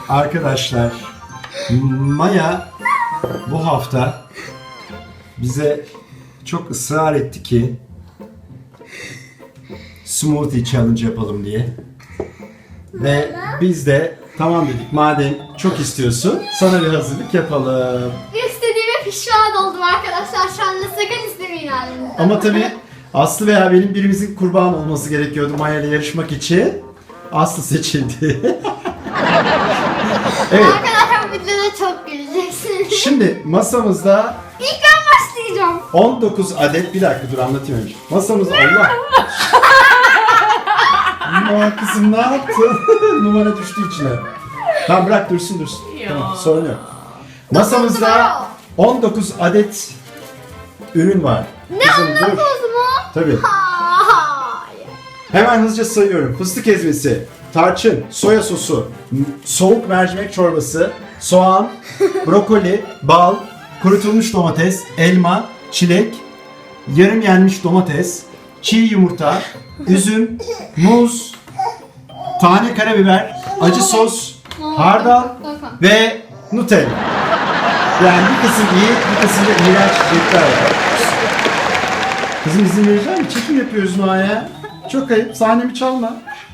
Arkadaşlar, Maya bu hafta bize çok ısrar etti ki smoothie challenge yapalım diye. Ve biz de tamam dedik, madem çok istiyorsun sana bir hazırlık yapalım. İstediğime pişman oldum arkadaşlar. Şu anda sakın istemeyin halimden. Ama tabii Aslı veya benim birimizin kurban olması gerekiyordu Maya ile yarışmak için. Aslı seçildi. Evet. Arkadaşlar bu videoda çok güleceksiniz. Şimdi masamızda İlk ben başlayacağım. 19 adet, bir dakika dur anlatayım önce. Masamızda Allah. Aman kızım ne yaptın? Numara düştü içine. Tamam bırak dursun. Tamam, sorun yok. Masamızda 19 adet ürün var. Ne Kızım, dur. 19 mu? Tabii. Hayır. Hemen hızlıca sayıyorum. Fıstık ezmesi, tarçın, soya sosu, soğuk mercimek çorbası, soğan, brokoli, bal, kurutulmuş domates, elma, çilek, yarım yenmiş domates, çiğ yumurta, üzüm, muz, tane karabiber, acı sos, hardal ve Nutella. Yani bir kısım iyi, bir kısım da iğrenç içecekler var. Kızım izin verecek misin? Çekim yapıyoruz Noa'ya. Çok ayıp. Sahnemi çalma.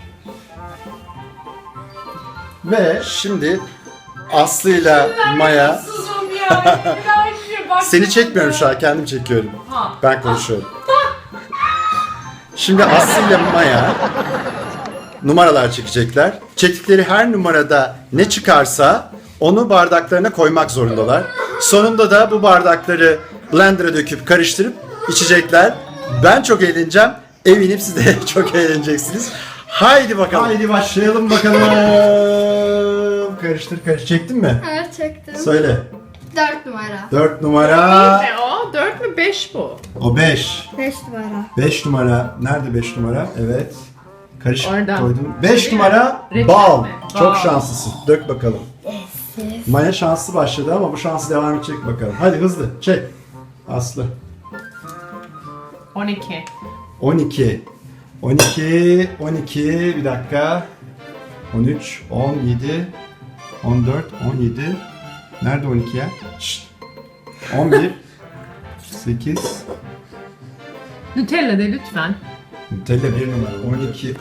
Ve şimdi Aslı'yla Maya. Susum ya. Seni çekmiyorum şu an, kendim çekiyorum. Ha. Ben konuşuyorum. Şimdi Aslı'yla Maya numaralar çekecekler. Çektikleri her numarada ne çıkarsa onu bardaklarına koymak zorundalar. Sonunda da bu bardakları blender'a döküp karıştırıp içecekler. Ben çok eğleneceğim. Eminim siz de çok eğleneceksiniz. Haydi bakalım. Haydi başlayalım bakalım. Karıştır. Çektin mi? Evet çektim. Söyle. 4 numara. 4 numara. Ne o? 4 mü 5 bu? O 5. 5 numara. 5 numara. Nerede 5 numara? Evet. Karışık Orada. koydum. 5 numara Reçel bal. mi? Çok Bal. şanslısın. Dök bakalım. Maya şanslı başladı ama bu şansı devam edecek bakalım. Hadi hızlı çek. Aslı. 12. 12. Bir dakika. 13, 17, 14, 17. Nerede 12 ya? Şşt. 11, 8, Nutella de lütfen. Nutella 1 numara.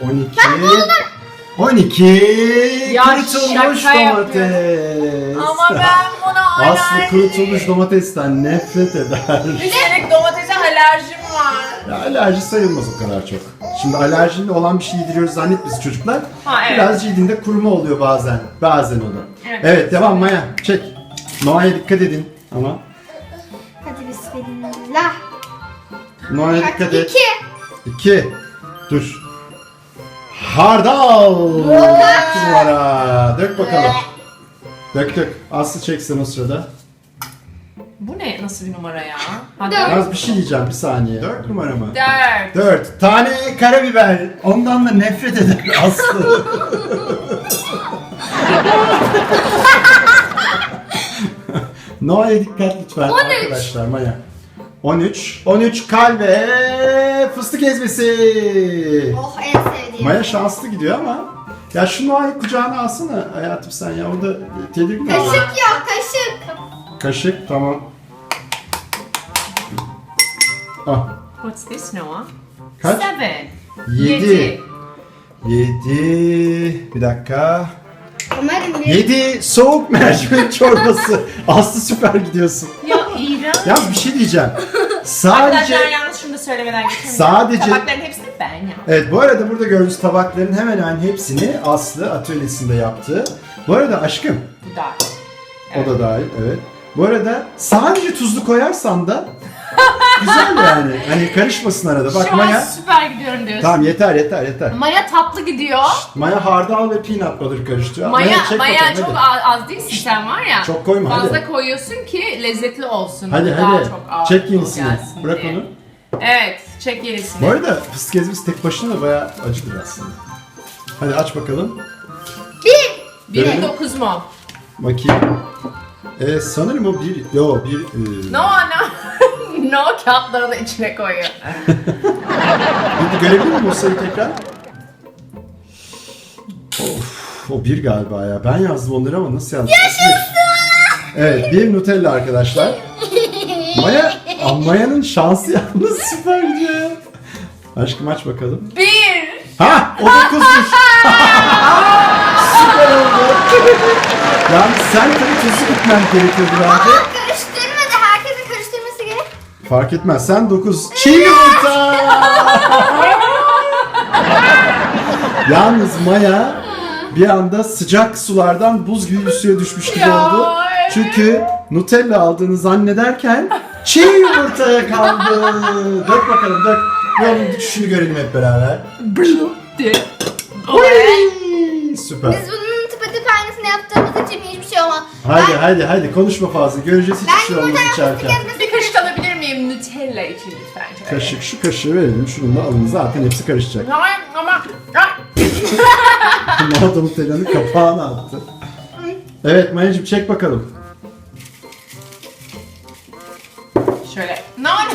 12. Ya Kurutulmuş şaka domates. Ama ben buna Aslı kurutulmuş domatesten nefret eder. Üstelik domatese alerjim var. Ya alerji sayılmaz o kadar çok. Şimdi alerjili olan bir şey yediriyoruz zannetmesin çocuklar. Ha, evet. Biraz yediğinde kuruma oluyor bazen. Bazen o da. Evet. Evet devam Maya. Çek. Noa'ya dikkat edin ama. Hadi bismillah. Noa'ya dikkat et. 2. 2. Dur. Hardal. 4 numara. Dök bakalım. Dök. Aslı çeksin o sırada. Bu ne? Nasıl bir numara ya? Hadi. Dört. Az bir şey diyeceğim bir saniye. 4 numara mı? 4. 4. Tane karabiber. Ondan da nefret eder Aslı. Noa'ya dikkat lütfen 13. arkadaşlar Maya. 13 kalbe fıstık ezmesi. Oh en sevdiğim. Maya şanslı gidiyor ama. Ya şu Noa'yı kucağına alsana hayatım sen ya. O da tedirgin oluyor. Kaşık yok kaşık. Kaşık tamam. Ah. What's this Noah? Kaç? 7. 7. Bir dakika. Umarım bir 7 soğuk mercimek çorbası. Aslı süper gidiyorsun. Ya iğrenç. Yalnız bir şey diyeceğim. Sadece Arkadaşlar yalnız şunu da söylemeden geçemeyeceğim. Sadece- Tabakların hepsini ben yaptım. evet bu arada burada gördüğünüz tabakların hemen hemen hepsini Aslı atölyesinde yaptı. Bu arada aşkım Bu da. o da dahil evet. Bu arada sadece tuzlu koyarsan da güzel yani. Hani karışmasın arada. Bak Şu an Maya. süper gidiyorum diyorsun. Tamam yeter. Maya tatlı gidiyor. Maya hardal ve peanut butter karıştırıyor. Maya çek Maya bakalım, çok hadi. az değilsin sen var ya. Çok koyma, Fazla hadi. koyuyorsun ki lezzetli olsun. Hadi Daha hadi. çok ağır Çek yenisini. gelsin Bırak diye. onu. Evet, çek yenisini. Bu arada fıstık ezmesi tek başına da bayağı acıdır aslında. Hadi aç bakalım. 1 9 mu? Bakayım. Sanırım o bir... Yo bir... No. No kağıtları da içine koyuyor. Bir görebilir miyim o sayıyı tekrar? Of. O bir galiba ya. Ben yazdım onları ama nasıl yazdım? Evet, bir Nutella arkadaşlar. Maya'nın şansı yalnız süper gidiyor ya. Aşkım aç bakalım. 1. Ha, o 9'muş. Süper oldu. Yani sen tabii tuzlu gitmen gerekiyordu bence. Ama karıştırmadı. Herkesin karıştırması gerek. Fark etmez. Sen 9. Çiğ yumurta. Yalnız Maya bir anda sıcak sulardan buz gibi bir suya düşmüş gibi Ya, oldu. evet. Çünkü Nutella aldığını zannederken çiğ yumurtaya kaldı. Dök bakalım dök. Bir onun düşüşünü görelim hep beraber. Süper. Biz bunun tıpatıp aynısını yaptığımız için hiçbir şey olmaz. Haydi konuşma fazla. Göreceğiz hiçbir şey olmaz içerken. Bir kaşık alabilir miyim Nutella için lütfen? Şöyle. Kaşık, şu kaşığı verelim. Şunu da alın. Zaten hepsi karışacak. Hayır ama... Mağda Nutella'nın kapağını attı. Evet Maya'cığım çek bakalım. Şöyle.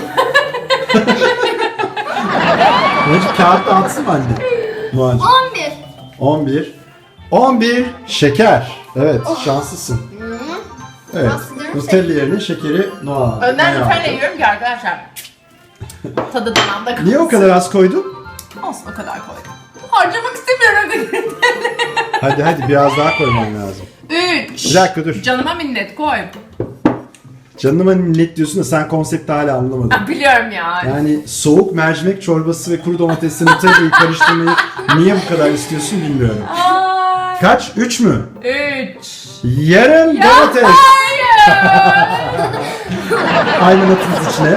Maya'cığım kağıtta atsın mı anne? Muacım. 11. 11 şeker. Evet şanslısın. Evet. Bastırırım Nutella yerine şekeri Noah. Önden Maya Nutella aldı. yiyorum ki arkadaşlar. Tadı damağımda kalsın. Niye o kadar az koydun? Olsun o kadar koydum. Harcamak istemiyorum dedim. Hadi biraz daha koyman lazım. 3. Bir dakika dur. Canıma minnet koy. Canıma minnet diyorsun da sen konsepti hala anlamadın. Ha, biliyorum ya. Yani soğuk mercimek çorbası ve kuru domatesli Nutella'yı karıştırmayı niye bu kadar istiyorsun bilmiyorum. Ay. Kaç? 3 mü? 3. Yarım domates. Hayır. Aynı atınız içine.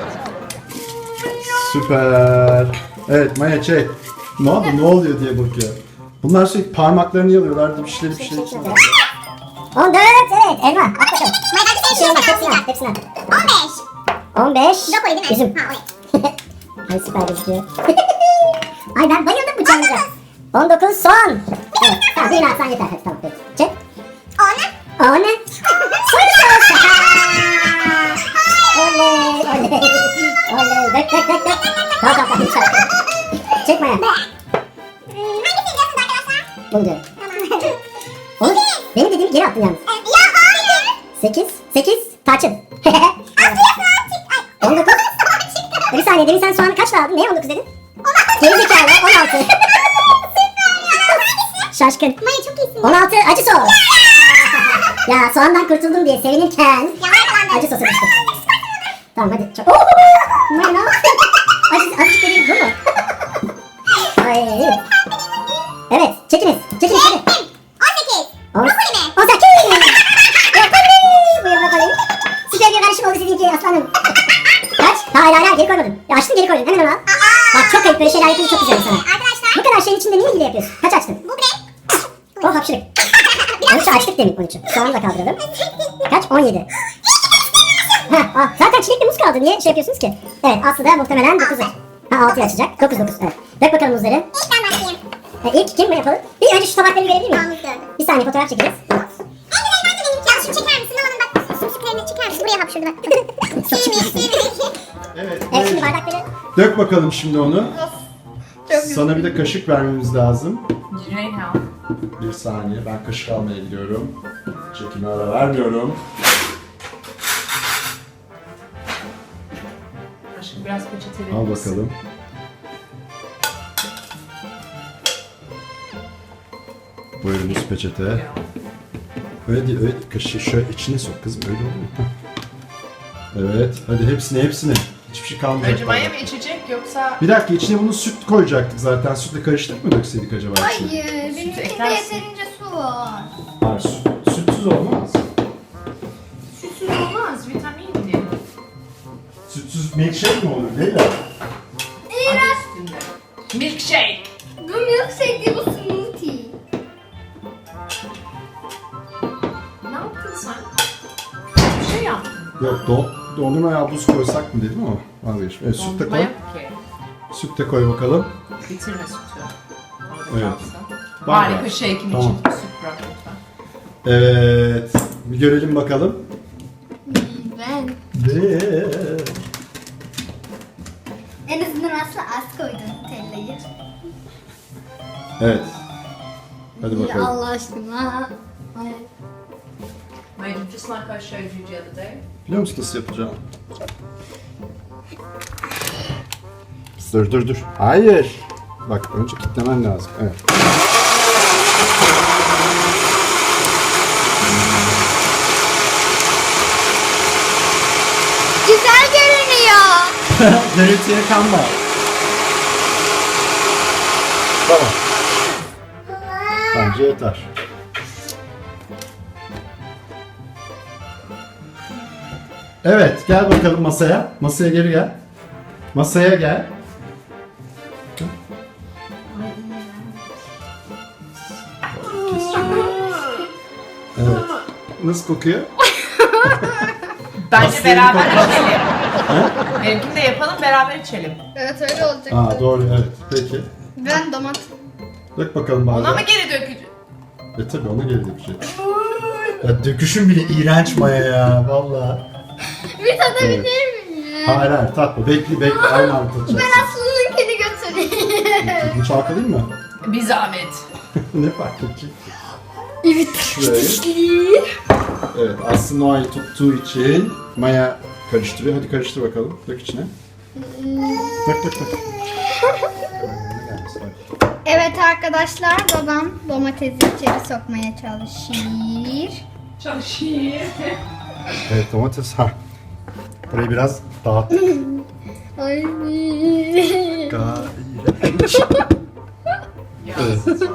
Süper. Evet Maya çek. Ne oldu? Ne oluyor diye bakıyor. Bunlar sürekli parmaklarını yalıyorlardı bir şeyler. 14 evet elma. At bakalım. Bir şey olmaz hepsini at. 15. Brokoli değil mi? Üzüm. Ay süper gözüküyor. Ay ben bayıldım bu challenge'a. 19 soğan. Evet tamam birini atsan yeter. Hadi, tamam peki. Çek. 10 ne? Soy sos. Oley. Dök. Tamam lütfen. Çek Maya. Bunu diyorum. Oğlum benim dediğimi geri attın yalnız. 8 tarçın. 19. Bir saniye demin sen soğanı kaçla aldın? Neye 19 dedin? 16. Geri zekalı 16. Şaşkın. Maya çok iyisin. 16 acı sos. Ya soğandan kurtuldum diye sevinirken acı sosu düştü. Tamam hadi çok. Maya ne yaptın? Azıcık dediğin bu mu? Ay. Evet çekiniz hadi. 18. 18. Buyur bakalım. Süper bir karışım oldu sizinki aslanım. Kaç? Hayır geri koymadın. Ya açtın geri koydun hemen onu al. Bak çok ayıp böyle şeyler yapınca çok güzel sana. Bu kadar şeyin içinde niye hile yapıyorsun? Kaç açtın? Oh hapşırık. 13'ü açtık demin 13'ü. Soğanı da kaldıralım. Kaç? 17. Zaten çilekli muz kaldı. Niye şey yapıyorsunuz ki? Evet Aslı da muhtemelen 9'u. Ha 6'yı açacak. 9 evet. Dök bakalım muzları. İlk kim mi yapalım? Bir önce şu tabakları görebilir miyim? Bir saniye fotoğraf çekeriz. Evet. Evet şimdi bardakları. Dök bakalım şimdi onu. Çok Sana bir de kaşık vermemiz lazım. Reyna. Bir saniye ben kaşık almaya gidiyorum. Çekime ara vermiyorum. Aşkım biraz peçete verir Al misin? bakalım. Buyurunuz peçete. Öyle değil, öyle kaşığı şöyle içine sok kızım, öyle olur mu? Hah. Evet, hadi hepsini. Hiçbir şey kalmayacak. Önce maya mı içecek yoksa... Bir dakika, içine bunu süt koyacaktık zaten. Sütle karıştırıp mı dökseydik acaba içine? Hayır. Benimkinde eklersin. yeterince su var. Hayır, sütsüz olmaz. Sütsüz olmaz, vitaminli. Sütsüz milkshake mi olur Leyla? Adı üstünde. Milkshake. Bu milkshake değil, bu smoothie. Ne yaptın sen? Bir şey yaptın. Yok, dondurmaya buz koysak mı dedim ama vazgeçtim. Evet, süt de Dondurma koy. yok ki. Süt de koy bakalım. Bitirme sütü. Orada Evet. kalsın. Var Harika var. shake'im Tamam. için süt bırak lütfen. Evet, bir görelim bakalım. Ben. En azından Aslı az koydum Nutella'yı. Evet. Hadi bakalım. Allah aşkına. Ay. Mayacım, just like I showed you the other day. Biliyor musun nasıl yapacağım? Dur. Hayır. Bak önce kilitlemen lazım. Evet. Güzel görünüyor. Görüntüye kanma. Tamam. Bence yeter. Evet, gel bakalım masaya. Masaya geri gel. Masaya gel. Evet. Nasıl kokuyor? Bence Aslında beraber bir kokmaz. içelim. Benimkini de yapalım, beraber içelim. Evet öyle olacak. Aa doğru evet. Peki. Ben domates. Dök bakalım bana. Ona mı geri dökeceğiz? Tabii ona geri dökecek. Ya döküşün bile iğrenç Maya ya valla. Bir tadabilir miyim? Hayır tatma. Bekle aynı anda tadacaksın. Ben Aslı'nınkini götüreyim. Bunu çalkalayayım mı? Bir zahmet. Ne fark edecek? Evet. Şurayı. Evet Aslı Noah'yı tuttuğu için Maya karıştırıyor. Hadi karıştır bakalım. Dök içine. Dök. Evet arkadaşlar, babam domatesi içeri sokmaya çalışıyor. Çalışıyor. Evet domates ha. Burayı biraz dağıt. Ay. İğrenç. Evet.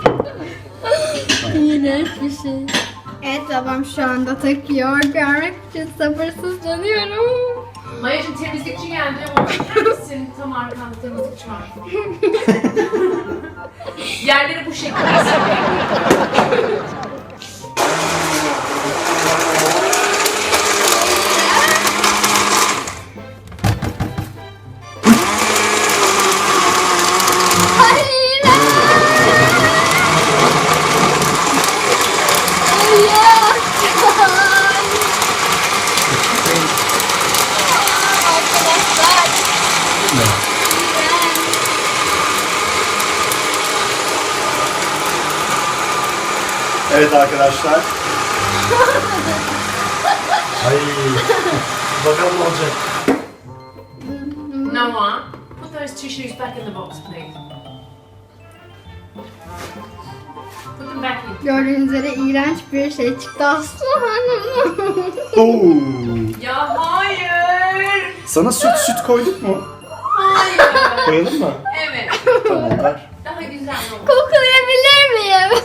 İğrenç bir şey. Evet babam şu anda takıyor. Görmek için sabırsızlanıyorum. Mayacım, temizlikçi geldi. Ona bakar mısın? Tam arkanda temizlikçi var. Yerleri bu şekilde siliyor. Hayır. Arkadaşlar. Evet arkadaşlar. Ay. Bakalım ne olacak. Noah, put those tissues back in the box, please. Put them back in. Gördüğünüz üzere iğrenç bir şey çıktı Aslı Hanım. Oo. Ya hayır. Sana süt koyduk mu? Hayır. Koyalım mı? Evet. Tamam ver. Daha güzel oldu. Koklayabilir miyim?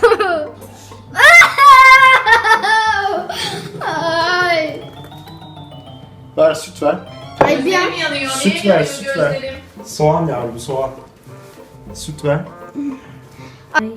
Ay. Ver süt ver. Ay bir an. Gözlerim yanıyor. Süt Niye ver, yanıyor süt ver. gözlerim? Soğan yavrum soğan. Süt ver. Ay.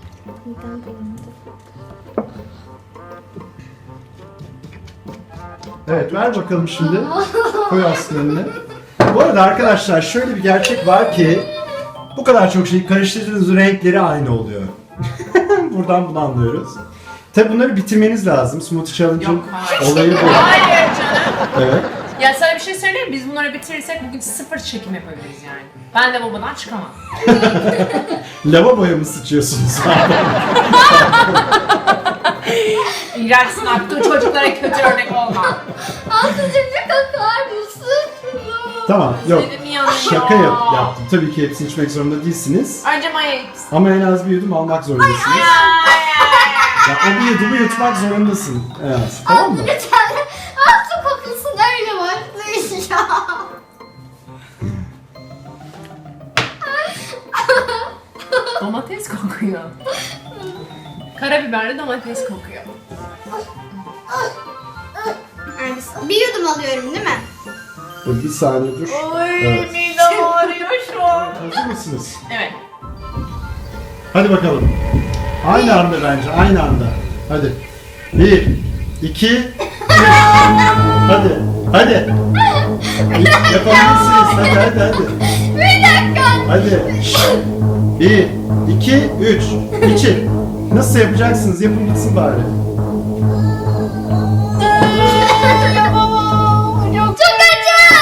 Evet ver bakalım şimdi. Koy Aslı'nın önüne. Bu arada arkadaşlar şöyle bir gerçek var ki bu kadar çok şeyi karıştırdığınız renkleri aynı oluyor. Buradan bunu anlıyoruz. Tabi bunları bitirmeniz lazım. Smoothie Challenge'ın Yok, hayır. olayı bu. Hayır canım. Evet. Ya sana bir şey söyleyeyim mi? Biz bunları bitirirsek bugün 0 çekim yapabiliriz yani. Ben de babadan çıkamam. Lavaboya mı sıçıyorsunuz? İğrençsin, artık çocuklara kötü örnek olma. Aslıcığım bir kakar mısın? Tamam yok. Benim yanıyor. Şaka yaptım. Tabii ki hepsini içmek zorunda değilsiniz. Önce Maya gitsin. Ama en az bir yudum almak zorundasınız. Ya o bir yudumu yutmak zorundasın en az. Tamam mı? Lütfen Aslı kokusun öyle başlayacağım. Domates kokuyor. Karabiberli domates kokuyor. Bir yudum alıyorum değil mi? Bir saniye dur. Oy, Evet. midem ağrıyor şu an. Hazır mısınız? Evet. Hadi bakalım. Aynı anda bence, aynı anda. Hadi. 1, 2, 3. Hadi, hadi. Yapabilirsiniz. Hadi. Bir dakika. Hadi. 1, 2, 3. İçin. Nasıl yapacaksınız? Yapın gitsin bari. Çok acı.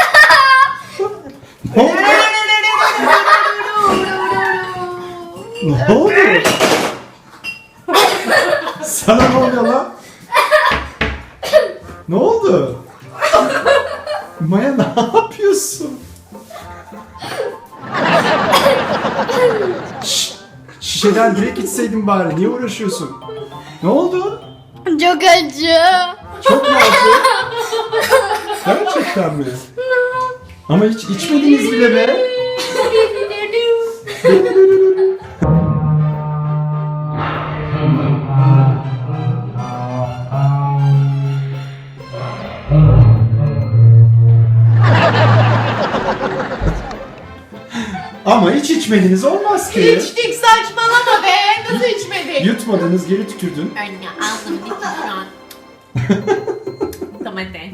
Ne oldu? Ne oldu? Sana ne oluyor lan? Ne oldu? Maya ne yapıyorsun? Şişeden direkt içseydin bari. Niye uğraşıyorsun? Ne oldu? Çok acı. Çok mu acı? Gerçekten mi? Ama hiç içmediniz bile be. Ama hiç içmediniz olmaz ki. İçtik, saçmalama be. Nasıl içmedik? Yutmadınız, geri tükürdün. Anne ağzım bitti şu an. Domates.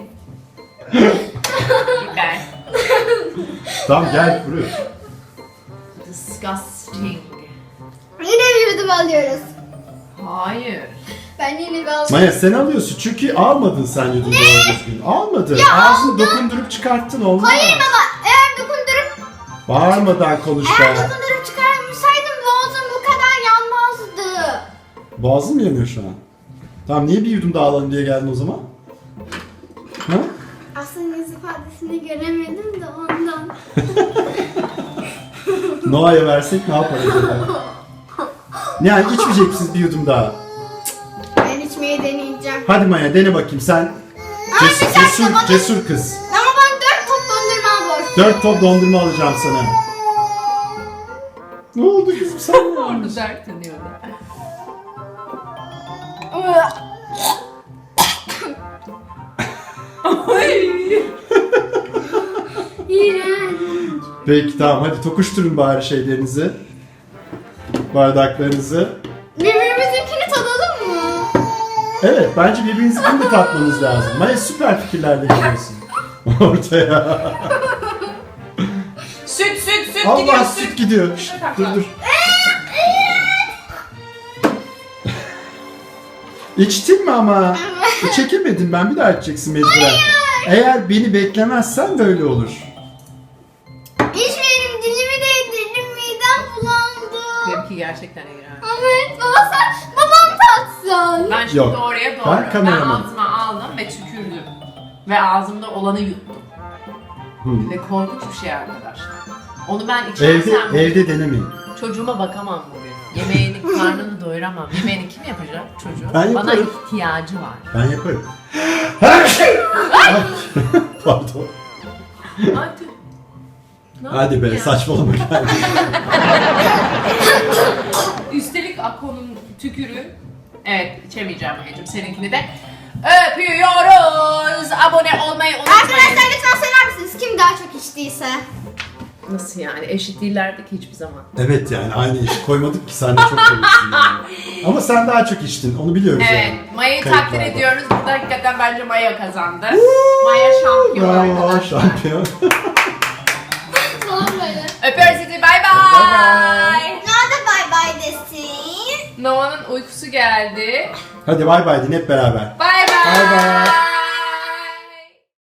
Biber. Tamam gel buraya. Disgusting. Yine bir yudum alıyoruz. Hayır. Ben yine bir aldım. Maya sen alıyorsun çünkü almadın sen yudum doğru düzgün. Almadın. Ağzını dokundurup çıkarttın olmaz. Hayır baba, eğer dokundurup Bağırmadan konuş eğer be. dokundurup çıkarmışsaydım boğazım bu kadar yanmazdı. Boğazın mı yanıyor şu an? Tamam niye bir yudum daha alalım diye geldin o zaman? Ha? Aslında yüz ifadesini göremedim de ondan. Noah'ya versek ne yapar acaba? Yani içmeyecek misiniz bir yudum daha? Ben içmeyi deneyeceğim. Hadi Maya dene bakayım sen. Cesur kız. Ama ben 4 top dondurma var. 4 top dondurma alacağım sana. Ne oldu kızım sen ne Orada olmuş? dert dönüyordu. İğrenç. Peki tamam hadi tokuşturun bari şeylerinizi. Bardaklarınızı. Birbirimizinkini tadalım mı? Evet bence birbirinizinkini de tatmanız lazım. Maya süper fikirlerle geliyorsun. Ortaya. Süt Allah gidiyor süt gidiyor. Şşt, dur. İçtin mi ama? Çekemedin ben bir daha içeceksin mecburen. Eğer beni beklemezsen böyle olur. İçmeyelim, dilimi değdirdim, midem bulandı. Benimki gerçekten iğrenç. Evet baba sen, babam tatsın. Ben şimdi Yok, doğruya doğru. ben kameramanım. ağzıma aldım ve tükürdüm. Ve ağzımda olanı yuttum. Ve korkunç bir şey arkadaşlar. Onu ben içersem Evde denemeyin. çocuğuma bakamam bugün. Yemeğini, karnını doyuramam. Yemeğini kim yapacak? Çocuğu. Ben Bana yaparım. ihtiyacı var. Ben yaparım. Ay! Pardon. Hadi. Ne Hadi yapayım be ya? saçmalama gel. Üstelik Ako'nun tükürüğü. Evet içemeyeceğim Maya'cığım seninkini de. Öpüyoruz. Abone olmayı unutmayın. Arkadaşlar lütfen söyler misiniz kim daha çok içtiyse? Nasıl yani? Eşit değillerdi ki hiçbir zaman. Evet yani aynı işi koymadık ki sen de çok komiksin yani. Ama sen daha çok içtin onu biliyoruz Evet, yani. Maya'yı Kayıtlarda. takdir ediyoruz. Burada hakikaten bence Maya kazandı. Maya şampiyon Bravo arkadaşlar. şampiyon. Falan böyle. Öpüyoruz sizi. Bay bay. Nerede bay bay desin? Noah'nın uykusu geldi. Hadi bay bay din hep beraber. Bay Bay bay. bay.